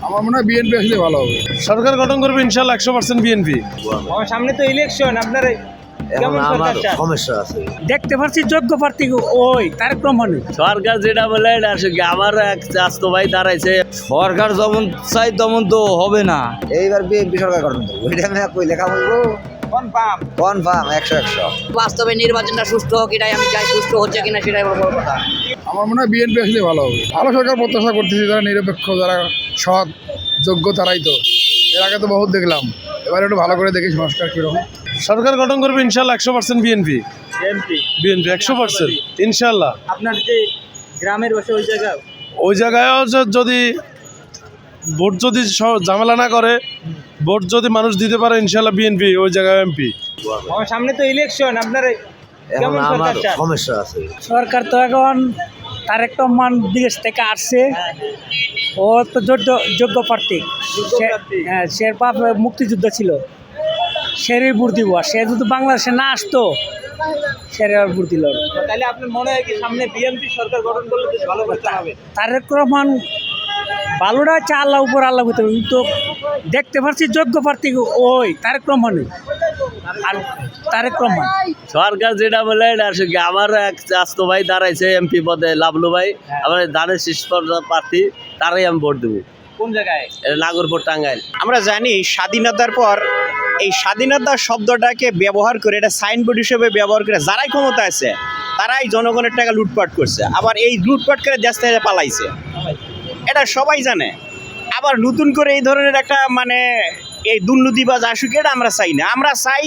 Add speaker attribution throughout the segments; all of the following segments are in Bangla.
Speaker 1: আমার মনে হয় বিএনপি আসলে ভালো হবে।
Speaker 2: সরকার গঠন করবে ইনশাল্লাহ 100% বিএনপি।
Speaker 3: আমার সামনে তো ইলেকশন, আপনার কেমন সরকার চান?
Speaker 4: সমস্যা আছে,
Speaker 5: দেখতে পাচ্ছি যোগ্য প্রার্থী ওই তারেক রহমান।
Speaker 6: সরকার যেটা বলে এটা আসলে আমার এক চাস্তো ভাই দাঁড়াইছে, সরকার যেমন চাই তেমন তো হবে না।
Speaker 4: এইবার বিএনপি সরকার গঠন করবো, এটা আমি কই লেখা বলবো
Speaker 3: কনফার্ম
Speaker 4: কনফার্ম 100।
Speaker 7: বাস্তবে নির্বাচনটা সুষ্ঠু হোক, এটাই আমি চাই। সুষ্ঠু হচ্ছে কিনা সেটাই বড় কথা।
Speaker 1: আমার মনে হয় বিএনপি আসলে ভালো হবে। ভালো সরকার প্রত্যাশা করতেছি, যারা নিরপেক্ষ, যারা সৎ যোগ্য, তারাই তো। এর আগে তো বহুত দেখলাম, এবার একটু ভালো করে দেখি সংস্কার কীরকম।
Speaker 2: সরকার গঠন করবে ইনশাল্লাহ 100% বিএনপি। বিএনপি 100% ইনশাল্লাহ।
Speaker 3: আপনার যে গ্রামের বসে
Speaker 2: ওই জায়গায়ও যদি ভোট যদি ঝামেলা না করে, ভোট যদি মানুষ দিতে পারে, ইনশাল্লাহ বিএনপি ওই জায়গায় এমপি।
Speaker 3: আমার সামনে তো ইলেকশন, আপনার কেমন সরকার চান?
Speaker 4: সমস্যা আছে,
Speaker 5: সরকার তো এখন তারেক রহমান বিদেশ থেকে আসছে, ও তো যোগ্য প্রার্থী। হ্যাঁ, সে বাপ মুক্তিযুদ্ধ ছিল, সেরই ভোট দিব। সে যদি বাংলাদেশে না আসতো, সেরে আর ভোট দিল।
Speaker 3: তাহলে আপনার মনে হয় কি সামনে বিএনপি সরকার গঠন করলে বেশ ভালো করতে হবে?
Speaker 5: তারেক রহমান ভালোটা হচ্ছে আল্লাহ উপর, আল্লাহ করতে হবে। কিন্তু দেখতে পাচ্ছি যোগ্য প্রার্থী ওই তারেক রহমানই। আর তারেক রহমান
Speaker 6: সরকার যেটা বলে এটা আসলে আমার এক চাস্তো ভাই দাঁড়াইছে এমপি পদে, লাভলু ভাই, আমার ধানের শীর্ষ প্রার্থী, তারাই আমি ভোট দেবো।
Speaker 3: কোন জায়গায়?
Speaker 6: নাগরপুর, টাঙ্গাইল।
Speaker 8: আমরা জানি স্বাধীনতার পর এই স্বাধীনতা শব্দটাকে ব্যবহার করে, এটা সাইনবোর্ড হিসেবে ব্যবহার করে যারাই ক্ষমতা আছে তারাই জনগণের টাকা লুটপাট করছে, আবার এই লুটপাট করে দেশ থেকে পালাইছে, এটা সবাই জানে। আবার নতুন করে এই ধরনের একটা এই দুর্নীতিবাজ আসুক, এটা আমরা চাই না। আমরা চাই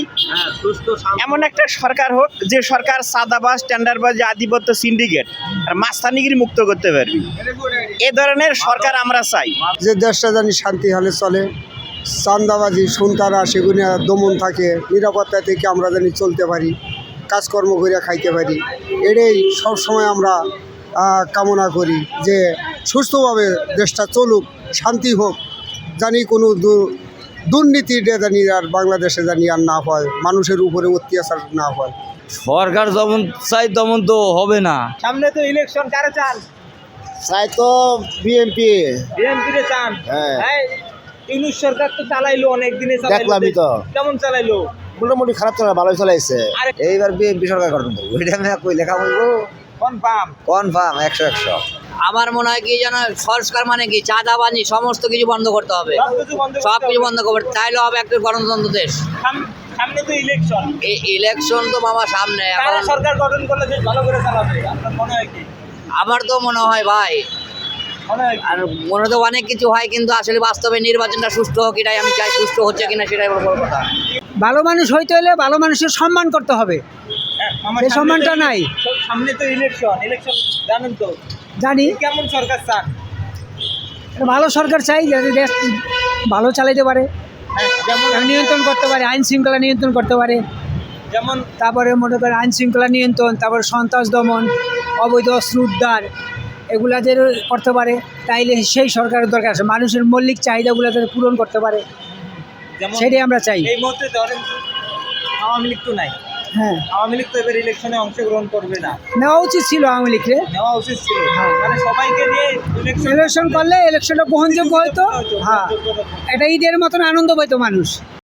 Speaker 8: এমন একটা সরকার হোক যে সরকার সাদাবাজ, টেন্ডারবাজ, আধিপত্য, সিন্ডিকেট আর মাস্তানিগিরি মুক্ত করতে পারবি। এ ধরনের সরকার আমরা চাই।
Speaker 9: যে দেশটা জানি শান্তি হালে চলে, চান্দাবাজি, সন্তারা সেগুলো দমন থাকে, নিরাপত্তা থেকে আমরা জানি চলতে পারি, কাজকর্ম করে খাইতে পারি। এটাই সবসময় আমরা কামনা করি যে সুস্থভাবে দেশটা চলুক, শান্তি হোক, জানি কোনো দুর্নীতিটা জানি আর বাংলাদেশে জানি আর না হয়, মানুষের উপরে অত্যাচার না হয়।
Speaker 6: সরকার যেমন চাই তেমন তো হবে না।
Speaker 3: সামনে তো ইলেকশন, কারে চান?
Speaker 4: চাই তো বিএনপি।
Speaker 3: বিএনপি রে চান? হ্যাঁ। ইউনূস সরকার তো চালাইলো, অনেক দিনে
Speaker 4: দেখলামই তো।
Speaker 3: কেমন চালাইলো?
Speaker 4: মোটামুটি খারাপ চলে, ভালোই চলাইছে। এইবার বিএনপি সরকার গঠন করবো, এটা আমি কই লেখা বলবো
Speaker 3: কনফার্ম
Speaker 4: কনফার্ম 100।
Speaker 7: আমার মনে হয় কি যেন সংস্কার মানে কি, চাঁদাবাজি সমস্ত কিছু বন্ধ করতে হবে। সব কিছু বন্ধ করতে, তাইলে হবে একটা গণতন্ত্র দেশ।
Speaker 3: সামনে তো ইলেকশন।
Speaker 7: এই ইলেকশন তো মামা সামনে,
Speaker 3: কারা
Speaker 7: এখন
Speaker 3: সরকার গঠন করলে বেশ ভালো করে চালাবে? আপনার মনে হয় কি?
Speaker 7: আমার তো মনে হয় ভাই,
Speaker 3: মনে হয় কি?
Speaker 7: আর মনে তো অনেক কিছু হয়, কিন্তু আসলে বাস্তবে নির্বাচনটা সুষ্ঠু হোক, এটাই আমি চাই। সুষ্ঠু হচ্ছে কিনা সেটাই বড় কথা।
Speaker 5: ভালো মানুষ হইতে হলে ভালো মানুষের সম্মান করতে হবে, সেই সম্মানটা নাই।
Speaker 3: সামনে তো ইলেকশন জানেন তো?
Speaker 5: জানি।
Speaker 3: কেমন সরকার চান?
Speaker 5: ভালো সরকার চাই, যাতে দেশ ভালো চালাইতে পারে,
Speaker 3: যেমন
Speaker 5: নিয়ন্ত্রণ করতে পারে, আইন শৃঙ্খলা নিয়ন্ত্রণ করতে পারে।
Speaker 3: যেমন
Speaker 5: তারপরে মনে করেন আইন শৃঙ্খলা নিয়ন্ত্রণ, তারপরে সন্ত্রাস দমন, অবৈধ অস্ত্র উদ্ধার, এগুলা যে করতে পারে, তাইলে সেই সরকারের দরকার আছে। মানুষের মৌলিক চাহিদাগুলো যাতে পূরণ করতে পারে, সেটাই আমরা চাই।
Speaker 3: এই মুহূর্তে ধরেন আওয়ামী লীগ তো নাই।
Speaker 5: হ্যাঁ,
Speaker 3: আওয়ামী লীগ তো এবার ইলেকশনে অংশগ্রহণ করবে না।
Speaker 5: নেওয়া উচিত ছিল আওয়ামী লীগকে,
Speaker 3: নেওয়া উচিত ছিল। মানে সবাইকে নিয়ে
Speaker 5: ইলেকশন করলে ইলেকশনটা গ্রহণযোগ্য হয়তো। হ্যাঁ, এটা ঈদের মতন আনন্দ পাইতো মানুষ।